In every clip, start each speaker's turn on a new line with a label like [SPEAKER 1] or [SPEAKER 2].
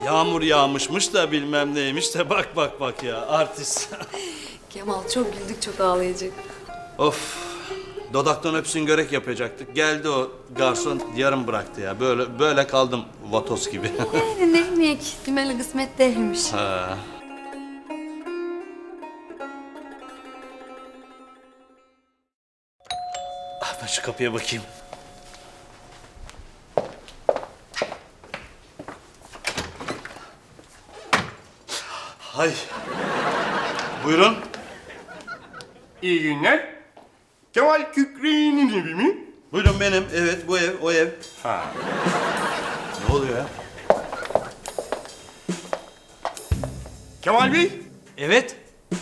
[SPEAKER 1] Yağmur yağmışmış da bilmem neymiş de bak ya artist.
[SPEAKER 2] Kemal çok güldük, çok ağlayacak.
[SPEAKER 1] Of. Dodaktan öpsün görek yapacaktık. Geldi o garson yarım bıraktı ya. Böyle kaldım vatos gibi.
[SPEAKER 2] Yani ne bileyim, dümeli kısmet değilmiş.
[SPEAKER 1] Ha. Ben şu kapıya bakayım. Hay. Buyurun.
[SPEAKER 3] İyi günler. Kemal Kükre'nin evi mi?
[SPEAKER 1] Buyurun benim. Evet bu ev, o ev.
[SPEAKER 3] Ha.
[SPEAKER 1] Ne oluyor ya?
[SPEAKER 3] Kemal Bey,
[SPEAKER 1] Evet.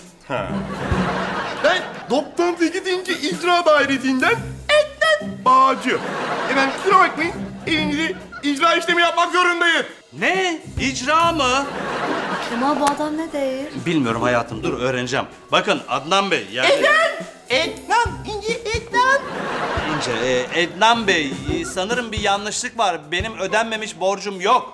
[SPEAKER 3] ben 98. İcra Dairesi'nden Ekten Bağcı. Efendim kusura bakmayın, evinizi icra işlemi yapmak zorundayız.
[SPEAKER 1] Ne? İcra mı?
[SPEAKER 2] Kemal bu adam ne değil?
[SPEAKER 1] Bilmiyorum hayatım. Dur öğreneceğim. Bakın Adnan Bey yani...
[SPEAKER 3] Etnan, ince Etnan.
[SPEAKER 1] İnce, Adnan Bey sanırım bir yanlışlık var. Benim ödenmemiş borcum yok.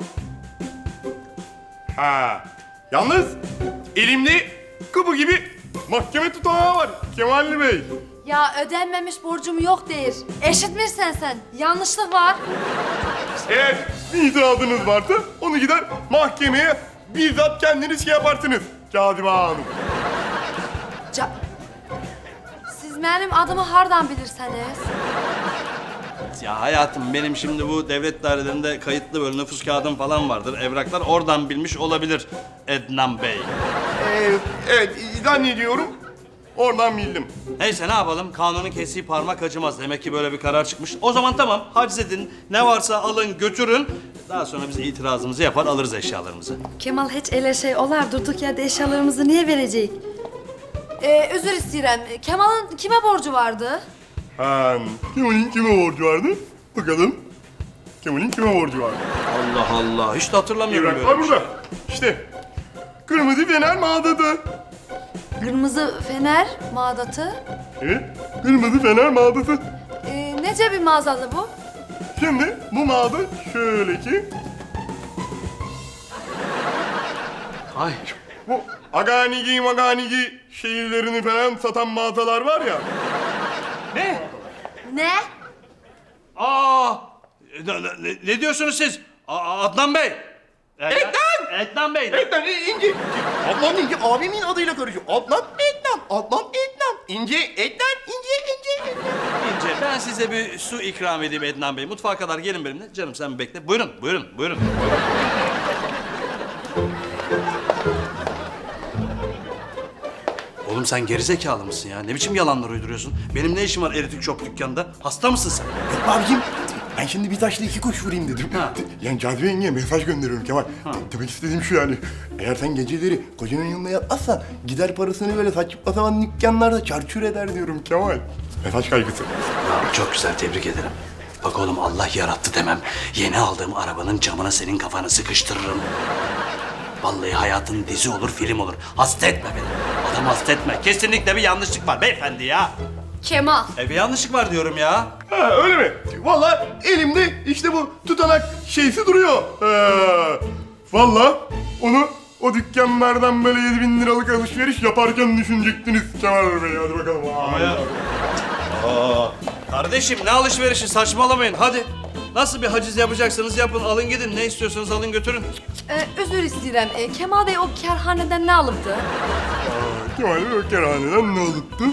[SPEAKER 3] Ha. Yalnız elimde kapı gibi mahkeme tutanağı var Kemal Bey.
[SPEAKER 2] Ya ödenmemiş borcum yok değil. Eşitmişsen sen. Yanlışlık var.
[SPEAKER 3] Eğer bir itirazınız varsa onu gider mahkemeye bizzat kendiniz yaparsınız Cazibe Hanım.
[SPEAKER 2] Siz benim adımı hardan bilirseniz?
[SPEAKER 1] Ya hayatım benim şimdi bu devlet dairelerinde kayıtlı böyle nüfus kağıdım falan vardır. Evraklar oradan bilmiş olabilir Adnan Bey.
[SPEAKER 3] Evet, zannediyorum oradan bildim.
[SPEAKER 1] Neyse ne yapalım? Kanunun kestiği parmak acımaz. Demek ki böyle bir karar çıkmış. O zaman tamam haciz edin. Ne varsa alın götürün. Daha sonra biz itirazımızı yapar alırız eşyalarımızı.
[SPEAKER 2] Kemal hiç öyle şey olar. Durduk yerde eşyalarımızı niye verecek? Özür isterim. Kemal'ın kime borcu vardı?
[SPEAKER 3] Ha, Kemal'in kime borcu vardı? Bakalım. Kemal'in kime borcu vardı?
[SPEAKER 1] Allah Allah. Hiç de hatırlamıyorum böyle
[SPEAKER 3] Evraklar
[SPEAKER 1] bir şey.
[SPEAKER 3] burada. İşte kırmızı fener mağdası.
[SPEAKER 2] Kırmızı fener mağdatı.
[SPEAKER 3] Evet, kırmızı fener mağdası.
[SPEAKER 2] Nece bir mağazalı bu?
[SPEAKER 3] Şimdi bu mağda şöyle ki...
[SPEAKER 1] Ay.
[SPEAKER 3] Bu maganigi şehirlerini falan satan mağazalar var ya.
[SPEAKER 1] Ne?
[SPEAKER 2] Ne?
[SPEAKER 1] Aa! Ne diyorsunuz siz? Adnan Bey. Adnan Bey.
[SPEAKER 3] Etnan, İnci. Adnan İnci abimin adıyla karışıyor. Adnan Etnan. Adnan Etnan. İnci Etnan. İnci Etnan.
[SPEAKER 1] İnce, ben size bir su ikram edeyim Adnan Bey. Mutfağa kadar gelin benimle. Canım sen bir bekle. Buyurun. Oğlum sen gerizekalı mısın ya? Ne biçim yalanlar uyduruyorsun? Benim ne işim var Eritik Shop dükkanında? Hasta mısın sen?
[SPEAKER 3] Yok abicim. Ben şimdi bir taşla iki kuş vurayım dedim.
[SPEAKER 1] Ha.
[SPEAKER 3] Yani Cazibe yengeye mesaj gönderiyorum Kemal. Demek istediğim şu yani. Eğer sen geceleri kocanın yanına yatmazsan gider parasını böyle saçma sapan dükkanlarda çarçur eder diyorum Kemal. Mesaj kaygısı.
[SPEAKER 1] Ya, çok güzel, tebrik ederim. Bak oğlum Allah yarattı demem. Yeni aldığım arabanın camına senin kafanı sıkıştırırım. Vallahi hayatın dizi olur, film olur. Hasta etme beni. Adam hasta etme. Kesinlikle bir yanlışlık var beyefendi ya.
[SPEAKER 2] Kemal.
[SPEAKER 1] Bir yanlışlık var diyorum ya.
[SPEAKER 3] Ha öyle mi? Vallahi elimde işte bu tutanak şeysi duruyor. Vallahi onu o dükkanlardan böyle 7.000 liralık alışveriş yaparken düşünecektiniz Kemal Bey. Hadi bakalım.
[SPEAKER 1] Ama ya. Kardeşim ne alışverişi saçmalamayın hadi. Nasıl bir haciz yapacaksanız yapın alın gidin. Ne istiyorsanız alın götürün.
[SPEAKER 2] Özür isterim. Kemal Bey o kerhaneden ne alıptı?
[SPEAKER 3] Kemal Bey o kerhaneden ne alıptı?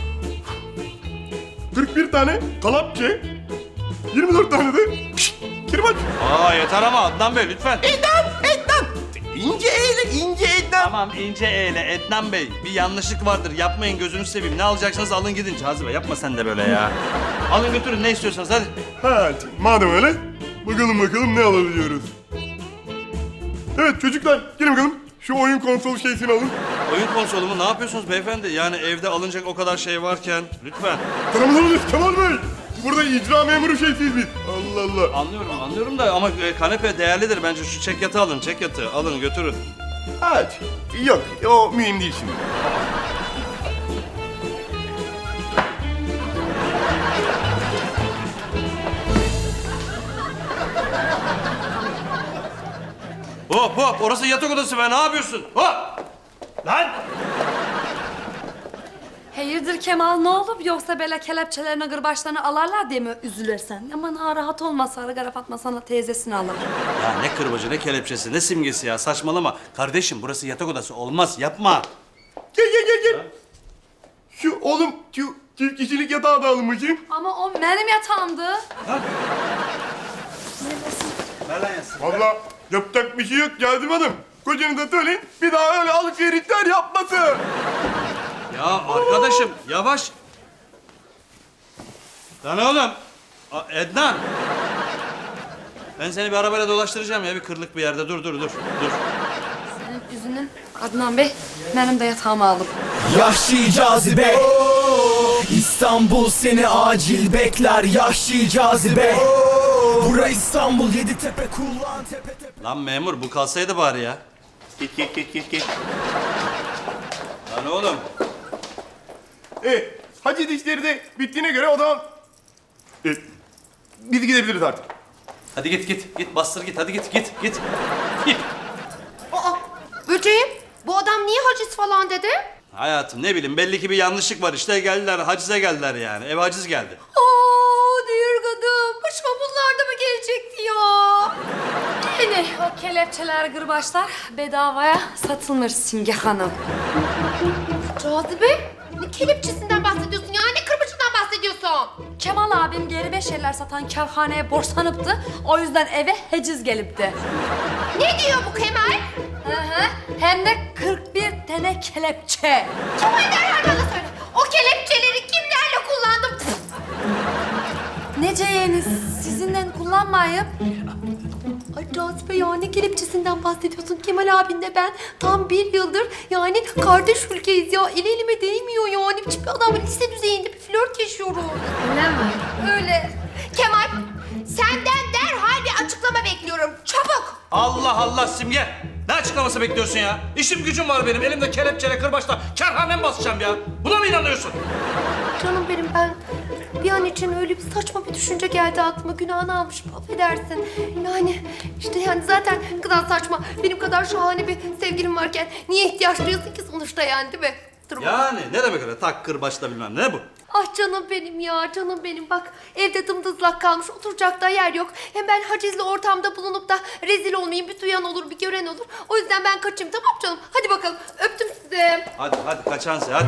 [SPEAKER 3] 41 tane kalapçe, 24 tane de kirbaç.
[SPEAKER 1] Yeter ama Adnan Bey lütfen.
[SPEAKER 3] Etnan! İnce Etnan.
[SPEAKER 1] Tamam ince eyle Adnan Bey. Bir yanlışlık vardır yapmayın gözünüzü seveyim. Ne alacaksanız alın gidin Cazibe yapma sen de böyle ya. Alın götürün ne istiyorsanız hadi.
[SPEAKER 3] Ha, madem öyle, bakalım ne alabiliyoruz. Evet çocuklar, gelin bakalım. Şu oyun konsol şeysini alın.
[SPEAKER 1] Oyun konsolu mu? Ne yapıyorsunuz beyefendi? Yani evde alınacak o kadar şey varken lütfen.
[SPEAKER 3] Tanımadınız Kemal Bey. Burada icra memuru şeysiyiz biz. Allah Allah.
[SPEAKER 1] Anlıyorum da ama kanepe değerlidir bence. Şu çek yatağı alın, çek yatağı. Alın götürün.
[SPEAKER 3] Evet. Yok, o mühim değil şimdi.
[SPEAKER 1] Hop hop, orası yatak odası be, ne yapıyorsun? Hop! Lan!
[SPEAKER 2] Hayırdır Kemal, ne olup yoksa böyle kelepçelerini gırbaçlarını alarlar diye mi üzülürsen? Aman ha, rahat olma, Sarı Gara Fatma sana teyzesini alır.
[SPEAKER 1] Ya ne kırbacı, ne kelepçesi, ne simgesi ya, saçmalama. Kardeşim, burası yatak odası, olmaz, yapma.
[SPEAKER 3] Gel. Şu oğlum, şu çift kişilik yatağı da alın bakayım.
[SPEAKER 2] Ama o benim yatağımdı.
[SPEAKER 1] Ver lan yatsın.
[SPEAKER 3] Vallahi yapacak bir şey yok Cazibe Hanım. Kocanıza söyleyin, bir daha öyle alışverişler yapmasın.
[SPEAKER 1] Ya arkadaşım, yavaş. Lan oğlum, Ednan. Ben seni bir arabayla dolaştıracağım ya, bir kırlık bir yerde. Dur.
[SPEAKER 2] Senin yüzünün Adnan Bey, benim de yatağımı aldım.
[SPEAKER 4] Yahşi cazibe İstanbul seni acil bekler Yahşi cazibe Bura İstanbul Yeditepe kullan tepe tepe.
[SPEAKER 1] Lan memur, bu kalsaydı bari ya.
[SPEAKER 3] Git.
[SPEAKER 1] Lan oğlum.
[SPEAKER 3] Hacı işleri de bittiğine göre o zaman... biz gidebiliriz artık.
[SPEAKER 1] Hadi git, bastır git, hadi git.
[SPEAKER 5] Aa, böceğim, bu adam niye haciz falan dedi?
[SPEAKER 1] Hayatım, ne bileyim, belli ki bir yanlışlık var işte, geldiler, hacize geldiler yani. Eve haciz geldi.
[SPEAKER 5] Aa, diyor kadın, başıma bunlar da mı gelecekti ya?
[SPEAKER 2] Yine o kelepçeler, gırbaçlar bedavaya satılmış Simge Hanım.
[SPEAKER 5] Cazibe, ne kelepçesinden bahsediyorsun ya? Ne kırbacından bahsediyorsun?
[SPEAKER 2] Kemal abim geri beş şeyler satan kerhaneye borçlanıptı. O yüzden eve haciz gelipti.
[SPEAKER 5] Ne diyor bu Kemal?
[SPEAKER 2] Hı. Hem de 41 tane kelepçe.
[SPEAKER 5] Kemal derhal bana söyle. O kelepçeleri kimlerle kullandım? Pf,
[SPEAKER 2] Nece yeğeniz sizinle kullanmayıp
[SPEAKER 5] Ay Cazibe ya, ne kelepçesinden bahsediyorsun? Kemal abinle ben tam bir yıldır yani kardeş ülkeyiz ya. El elime değmiyor yani. Hiçbir adamla lise düzeyinde bir flört yaşıyorum.
[SPEAKER 2] öyle mi?
[SPEAKER 5] Öyle. Kemal, senden derhal bir açıklama bekliyorum. Çabuk.
[SPEAKER 1] Allah Simge! Ne açıklaması bekliyorsun ya? İşim gücüm var benim, elimde kelepçeyle, kırbaçla kerhanem basacağım ya. Buna mı inanıyorsun?
[SPEAKER 5] Canım benim, ben bir an için öyle bir saçma bir düşünce geldi aklıma. Günahını almışım, affedersin. Yani işte yani zaten ne kadar saçma. Benim kadar şahane bir sevgilim varken niye ihtiyaç duyuyorsun ki sonuçta yani, değil mi? Durma.
[SPEAKER 1] Yani ne demek öyle, tak kırbaçla bilmem ne bu?
[SPEAKER 5] Ah canım benim ya, canım benim. Bak evde dımdızlak kalmış, oturacak da yer yok. Hem ben hacizli ortamda bulunup da rezil olmayayım. Bir duyan olur, bir gören olur. O yüzden ben kaçayım, tamam canım? Hadi bakalım, öptüm sizi.
[SPEAKER 1] Hadi kaçansı hadi.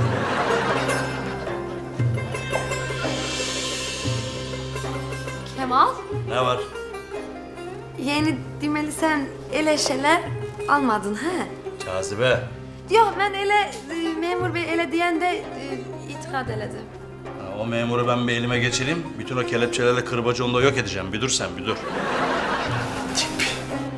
[SPEAKER 2] Kemal,
[SPEAKER 1] Ne var?
[SPEAKER 2] yeni demeli sen ele şeyler almadın ha?
[SPEAKER 1] Cazibe.
[SPEAKER 2] Yok ben ele, memur bey ele diyen de itikad eledi.
[SPEAKER 1] Ha, o memuru ben bir elime geçireyim. Bütün o kelepçelerle kırbacı onu da yok edeceğim. Bir dur sen, bir dur. Tip.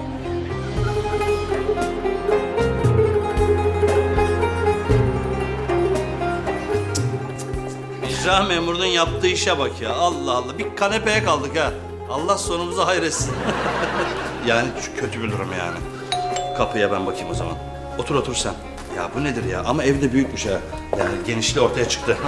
[SPEAKER 1] İcra memurunun yaptığı işe bak ya. Allah. Bir kanepeye kaldık ha. Allah sonumuzu hayretsin. Yani kötü bir durum yani. Kapıya ben bakayım o zaman. Otur sen. Ya bu nedir ya? Ama evde büyükmüş ha. Yani genişliği ortaya çıktı.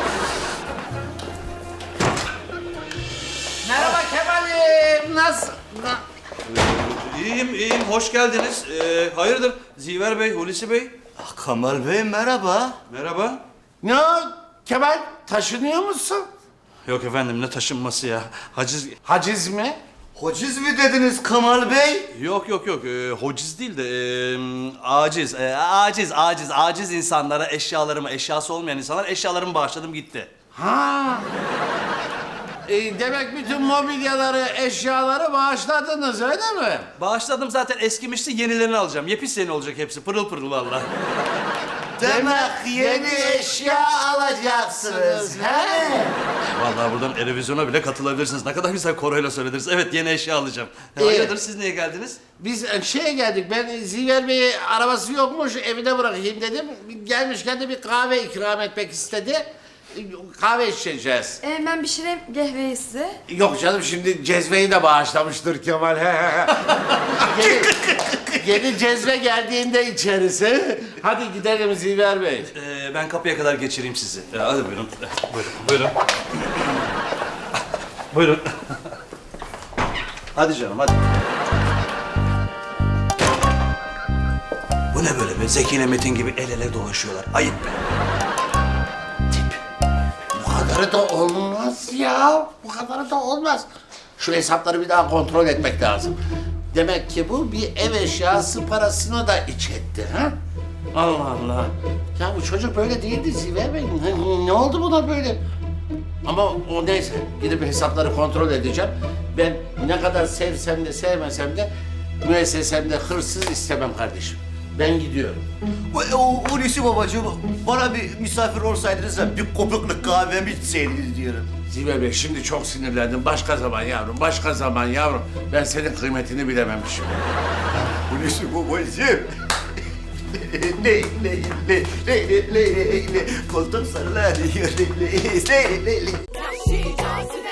[SPEAKER 6] Merhaba Kemal'im, nasıl?
[SPEAKER 1] İyiyim. Hoş geldiniz. Hayırdır? Ziver Bey, Hulusi Bey.
[SPEAKER 6] Kemal Bey merhaba.
[SPEAKER 1] Merhaba.
[SPEAKER 6] Ne o, Kemal, taşınıyor musun?
[SPEAKER 1] Yok efendim, ne taşınması ya? Haciz...
[SPEAKER 6] Haciz mi?
[SPEAKER 7] Haciz mi dediniz Kemal Bey?
[SPEAKER 1] Yok. Hociz değil de aciz. Aciz insanlara eşyası olmayan insanlar eşyalarımı bağışladım gitti.
[SPEAKER 6] Ha. Demek bütün mobilyaları, eşyaları bağışladınız öyle mi?
[SPEAKER 1] Bağışladım zaten, eskimişti, yenilerini alacağım. Yepis yeni olacak hepsi, pırıl pırıl vallahi.
[SPEAKER 7] Demek yeni eşya alacaksınız he?
[SPEAKER 1] Vallahi buradan Erevizyon'a bile katılabilirsiniz. Ne kadar güzel koroyla söylediniz. Evet, yeni eşya alacağım. Hayırdır, siz niye geldiniz?
[SPEAKER 6] Biz şeye geldik, ben Ziver Bey'e arabası yokmuş, evine bırakayım dedim. Gelmişken de bir kahve ikram etmek istedi. Kahve içeceğiz.
[SPEAKER 2] Ben pişireyim kahveyi size.
[SPEAKER 6] Yok canım, şimdi cezveyi de bağışlamıştır Kemal. Yeni cezve geldiğinde içeriz. Hadi gidelim Ziver Bey.
[SPEAKER 1] Ben kapıya kadar geçireyim sizi. Hadi buyurun. Buyurun. Buyurun. Hadi canım, hadi. Bu ne böyle be? Zeki ile Metin gibi el ele dolaşıyorlar. Ayıp be.
[SPEAKER 6] Bu kadarı da olmaz ya. Bu kadarı da olmaz. Şu hesapları bir daha kontrol etmek lazım. Demek ki bu bir ev eşyası parasına da iç etti ha? Allah Allah. Ya bu çocuk böyle değildi Ziver Bey. Ne oldu buna böyle? Ama o neyse. Gidip hesapları kontrol edeceğim. Ben ne kadar sevsem de sevmesem de müessesemde hırsız istemem kardeşim. Ben gidiyorum.
[SPEAKER 7] Hulusi babacığım, bana bir misafir olsaydınız da bir kopuklu kahvemi içseydiniz diyorum.
[SPEAKER 6] Ziver Bey şimdi çok sinirlendim. Başka zaman yavrum, başka zaman yavrum. Ben senin kıymetini bilememişim.
[SPEAKER 7] Hulusi babacığım. Le koltuk sallanıyor. Le.
[SPEAKER 8] Yahşi cazibe